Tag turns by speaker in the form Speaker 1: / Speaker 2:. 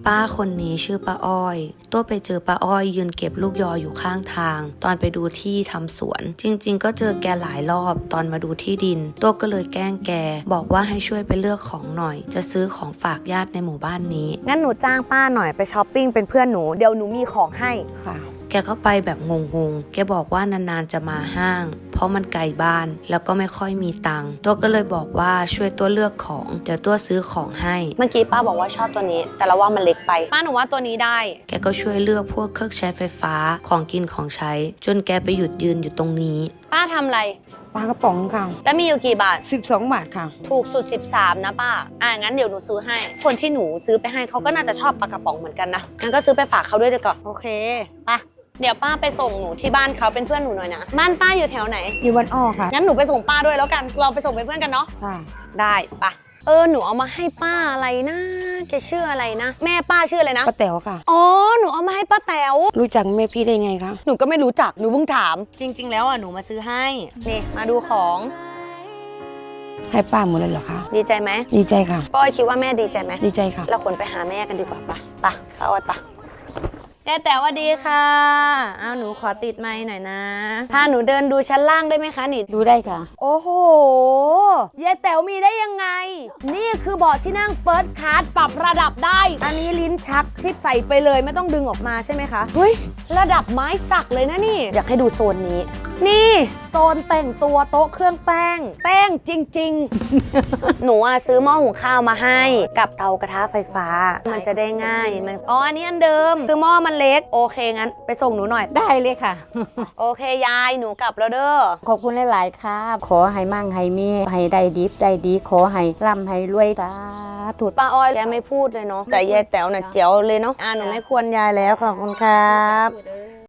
Speaker 1: ป้าคนนี้ชื่อป้าอ้อยตัวไปเจอป้าอ้อยยืนเก็บลูกยออยู่ข้างทางตอนไปดูที่ทำสวนจริงๆก็เจอแกหลายรอบตอนมาดูที่ดินตัวก็เลยแกล้งแกบอกว่าให้ช่วยไปเลือกของหน่อยจะซื้อของฝากญาติในหมู่บ้านนี้
Speaker 2: งั้นหนูจ้างป้าหน่อยไปช้อปปิ้งเป็นเพื่อนหนูเดี๋ยวหนูมีของให้
Speaker 3: ค่ะ
Speaker 1: แกก็ไปแบบงงๆแกบอกว่านานๆจะมาห้างเพราะมันไกลบ้านแล้วก็ไม่ค่อยมีตังค์ตัวก็เลยบอกว่าช่วยตัวเลือกของเดี๋ยวตัวซื้อของให้
Speaker 2: เมื่อกี้ป้าบอกว่าชอบตัวนี้แต่เราว่ามันเล็กไปป้าหนูว่าตัวนี้ได้
Speaker 1: แกก็ช่วยเลือกพวกเครื่องใช้ไฟฟ้าของกินของใช้จนแกไปหยุดยืนอยู่ตรงนี้
Speaker 2: ป้าทำอะไร
Speaker 3: ปลากระป๋องค่ะ
Speaker 2: แล้วมีอยู่กี่บาท
Speaker 3: 12 บาทค่ะ
Speaker 2: ถูกสุด13นะป้างั้นเดี๋ยวหนูซื้อให้คนที่หนูซื้อไปให้เขาก็น่าจะชอบปลากระป๋องเหมือนกันนะงั้นก็ซื้อไปฝากเขาด้วยดีกว่าโอเคไปเดี๋ยวป้าไปส่งหนูที่บ้านเขาเป็นเพื่อนหนูหน่อยนะบ้านป้าอยู่แถวไหน
Speaker 3: อยู่วันอ้อค่ะ
Speaker 2: งั้นหนูไปส่งป้าด้วยแล้วกันเราไปส่งเป็นเพื่อนกันเนาะ
Speaker 3: ค่ะ
Speaker 2: ได้ปะหนูเอามาให้ป้าอะไรนะแกชื่ออะไรนะแม่ป้าชื่ออะไรนะ
Speaker 3: ป้าแต๋วค่ะ
Speaker 2: อ๋อหนูเอามาให้ป้าแต๋ว
Speaker 3: รู้จักแม่พี่ได้ไงคะ
Speaker 2: หนูก็ไม่รู้จักหนูเพิ่งถามจริงๆแล้วหนูมาซื้อให้นี่มาดูของ
Speaker 3: ให้ป้าหมดเลยเหรอคะ
Speaker 2: ดีใจไหม
Speaker 3: ดีใจค่ะ
Speaker 2: ป้อยคิดว่าแม่ดีใจไหม
Speaker 3: ดีใจค่ะ
Speaker 2: เราควรไปหาแม่กันดีกว่าปะเข้าวัดปะยายแต๋วสวัสดีค่ะหนูขอติดไมค์หน่อยนะพาหนูเดินดูชั้นล่างได้ไหมคะนี่
Speaker 3: ดูได้ค่ะ
Speaker 2: โอ้โหยายแต๋วมีได้ยังไงนี่คือเบาะที่นั่งเฟิร์สคลาสปรับระดับได้อันนี้ลิ้นชักที่ใส่ไปเลยไม่ต้องดึงออกมาใช่ไหมคะเฮ้ยระดับไม้สักเลยนะนี่อยากให้ดูโซนนี้นี่โซนแต่งตัวโต๊ะเครื่องแป้งจริงๆ หนูซื้อหม้อหุงข้าวมาให้กับเตากระทะไฟฟ้ามันจะได้ง่ายมันอันนี้อันเดิมคือหม้อมันเล็กโอเคงั้นไปส่งหนูหน่อย
Speaker 3: ได้เลยค่ะ
Speaker 2: โอเคยายหนูกลับแล้วเด้อ
Speaker 3: ขอบคุณหลายๆครับขอให้มั่งให้มีให้ได้ดีใจดีขอให้ร่ำให้รวยสาธุ
Speaker 2: ป้าอ้อยแกไม่พูดเลยเนาะแต่ยายแต๋วน่ะเจ๋วเลยเนาะหนูไม่ควรยายแล้วขอบคุณครับ